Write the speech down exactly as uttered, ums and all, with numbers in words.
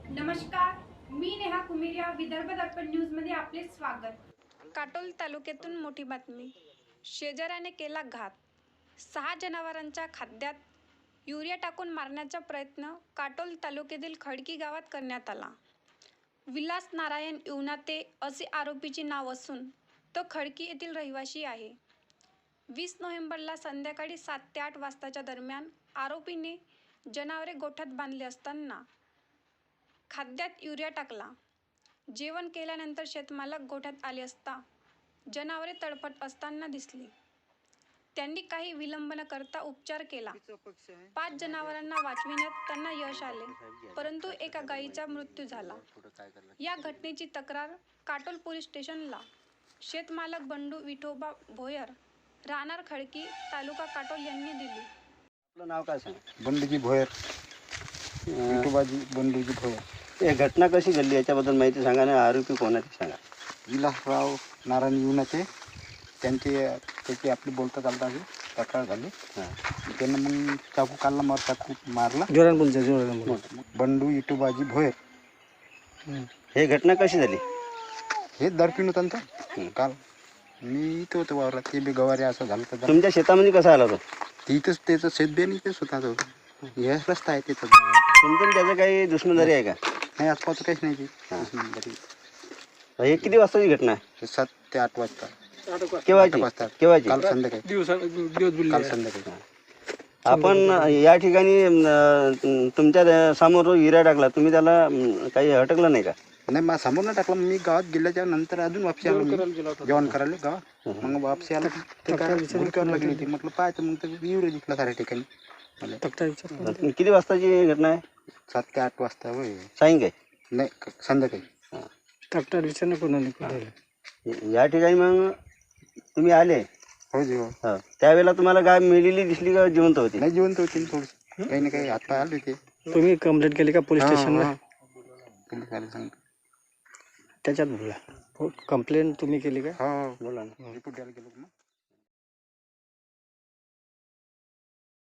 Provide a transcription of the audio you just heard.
नमस्कार, मी नेहा कुमेरिया, विदर्भ दर्पण न्यूज मध्ये आपले स्वागत। काटोल तालुक्यातून मोठी बातमी। शेजाऱ्याने केला घात। सहा जनावरांच्या खाद्यात युरिया टाकून मारण्याचा प्रयत्न काटोल तालुक्यातील खडकी गावात करण्यात आला। विलास नारायण युनाते असे आरोपीचे नाव असून तो खडकी येथील रहिवासी आहे। वीस नोव्हेंबरला संध्याकाळी सात ते आठ वाजताच्या दरम्यान आरोपीने जनावरे गोठ्यात बांधले असताना खाद्यात युरिया टाकला। जेवण केल्यानंतर शेतमालक गोठ्यात आले असता जनावरे तडफत असताना दिसली। त्यांनी काही विलंब न करता उपचार केला। पाच जनावरांना वाचविण्यात त्यांना यश आले, परंतु एका गायीचा मृत्यू झाला। या घटनेची तक्रार काटोल पोलीस स्टेशनला शेतमालक बंडू विठोबा भोयर, राहणार खडकी, तालुका काटोल यांनी दिली। आपलं नाव काय सांगा? बंडूजी भोयर, विठोबाजी बंडूजी भोयर. हे घटना कशी घडली याच्याबद्दल माहिती सांगा ना. आरोपी कोणाचे सांगा? विलासराव नारायण युनाते, त्यांचे त्याची आपली बोलता चालता तक्रार झाली. त्यानं मग चाकू काढला, मग चाकू मारला. जोरान बोलचा जोरान बंडू विठोबाजी भोयर. हे घटना कशी झाली? हे दर्पिन होतं ना तो काल. मी इथं होतो वावरात, ते बी गवारी असं झालं तर तुमच्या शेतामध्ये कसा आला तो? तिथंच त्याचं शेतबेन इथेच होता तो. हे रस्ता आहे तिथं. तुमचं त्याचं काही दुश्मनदारी आहे का? नाही, आसपास काहीच नाही ती. हे किती वाजताची घटना आहे? हे सात ते आठ वाजता. केव्हाची? वाजता केव्हाची? काल संध्याकाळी. काल संध्याकाळी. आपण या ठिकाणी अं, तुमच्या समोर युरिया टाकला, तुम्ही त्याला अं, काही अटकलं नाही का? नाही, मला समोर नाही टाकला. मी गावात गेल्याच्या नंतर अजून वापसी आलो. मी जेवण करायला गावात. मग वापसी आला ते काय भुलक्यावर लागली होती. म्हटलं पाहायचं, मग ते युरिया दिसला साऱ्या ठिकाणी. किती वाजताची घटना आहे? सात ते आठ वाजता होय. सायंकाळी? नाही, संध्याकाळी. ट्रॅक्टर विचार कोणाला या ठिकाणी मग तुम्ही आले? हो जी हो. हा, त्यावेळेला तुम्हाला गाय मेलेली दिसली का जिवंत होती? नाही, जिवंत होती थोडी. काही ना काही हातपाय आले होते. तुम्ही कंप्लेंट केली का पोलीस स्टेशनला? पोलीस आले सांग. त्याच्यात बोला, कंप्लेंट तुम्ही केली का? हो, बोला ना. रिपोर्ट द्यायला गेलो मग.